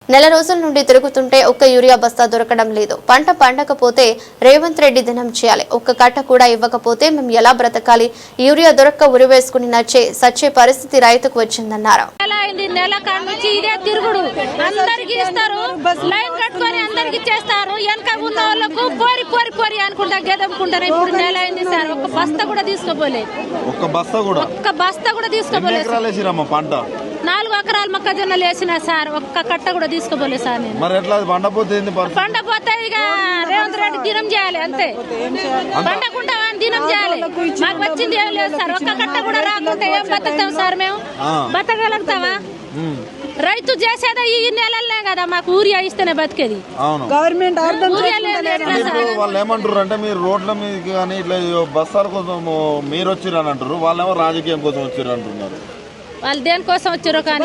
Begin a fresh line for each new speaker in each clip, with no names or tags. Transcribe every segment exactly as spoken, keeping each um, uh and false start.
నెల రోజుల నుండి తిరుగుతుంటే ఒక్క యూరియా బస్తా దొరకడం లేదు. పంట పండకపోతే రేవంత్ రెడ్డి దినం చేయాలి. ఒక్క కట్ట కూడా ఇవ్వకపోతే మేము ఎలా బ్రతకాలి? యూరియా దొరక్క ఉరివేసుకుని నచ్చే సచ్చే పరిస్థితి రైతుకు వచ్చిందన్నారు.
నెల కానుంచి ఇదే తిరుగుడు, అందరికి ఇస్తారు, లైన్ కట్టుకొని అందరికి చేస్తారు. వెనక ఉన్న వాళ్ళకు పోరి పోరి పోరి అనుకుంటా గెదమ్ముకుంటారు. ఇప్పుడు నెల అయింది సార్, ఒక్క బస్తా కూడా తీసుకోపోలేదు.
ఒక్క బస్తా కూడా
ఒక్క బస్తా కూడా తీసుకోపోలేదు.
పంట
నాలుగు ఎకరాలు మొక్కజొన్నలు వేసిన సార్, ఒక్క కట్ట కూడా తీసుకోపోలేదు సార్. నేను
మరి ఎట్లా పండపోతే
పండపోతే ఇక రేవంత్ రెడ్డి దినం చేయాలి అంతే. పండకుండా దినం చేయాలి. మాకు వచ్చింది ఏం లేదు సార్. ఒక్క కట్ట కూడా రాకుంటే ఏం బతుకుతాం సార్? మేము బతకగలుగుతామా? రైతు చేసేదా ఈ నెలలనే కదా మాకు ఊరియా ఇస్తేనే బతికేది.
గవర్నమెంట్
వాళ్ళు ఏమంటారు అంటే మీరు రోడ్ల మీద కానీ ఇట్లా బస్సాల కోసం మీరు వచ్చిర్రు అని అంటారు, వాళ్ళేమో రాజకీయం కోసం వచ్చిర్రు అంటున్నారు.
వాళ్ళు దేనికోసం వచ్చారో కానీ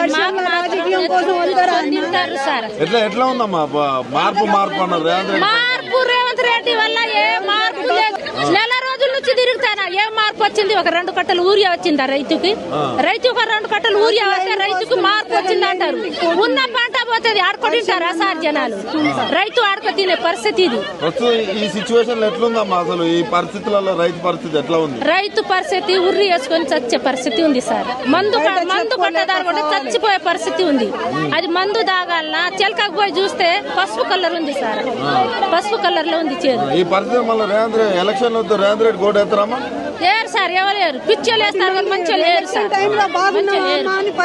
సార్.
ఎట్లా ఎట్లా ఉందమ్మా మార్పు మార్పు అన్నారు రేవంత్ రెడ్డి.
మార్పు రేవంత్ రెడ్డి వల్ల ఏ మార్పు లేదు. నెల రోజుల నుంచి తిరుగుతానా ఏ మార్పు వచ్చింది? ఒక రెండు కట్టలు ఊరియా వచ్చిందా రైతుకి? రైతు ఒక రెండు కట్టలు ఊరియా వస్తే రైతుకు మార్పు వచ్చింది అంటారు. ఉన్న పంట పోతుంది, ఆడుకుంటారా సార్ జనాలు? రైతు ఆడుకో తినే పరిస్థితి ఇది.
ఈ సిచ్యువేషన్ ఎట్లుందమ్మా అసలు? ఈ పరిస్థితులలో రైతు పరిస్థితి ఎట్లా ఉంది?
రైతు పరిస్థితి ఉర్రి వేసుకొని చచ్చే పరిస్థితి ఉంది సార్. మందు మందు కొట్టదారు కూడా చచ్చిపోయే పరిస్థితి ఉంది. అది మందు దాగాలనా చిలకకు పోయి చూస్తే పసుపు కలర్ ఉంది సార్, పసుపు కలర్ లో ఉంది చేదు.
ఈ పరిస్థితి మళ్ళీ రేవంత్ రెడ్డి ఎలక్షన్ వద్దు రేవంత్ రెడ్డి కోట ఎత్తరామా?
లేరు సార్, ఎవరు లేరు. పిచ్చోళ్ళు వేస్తారు, మంచిగా లేరు సార్.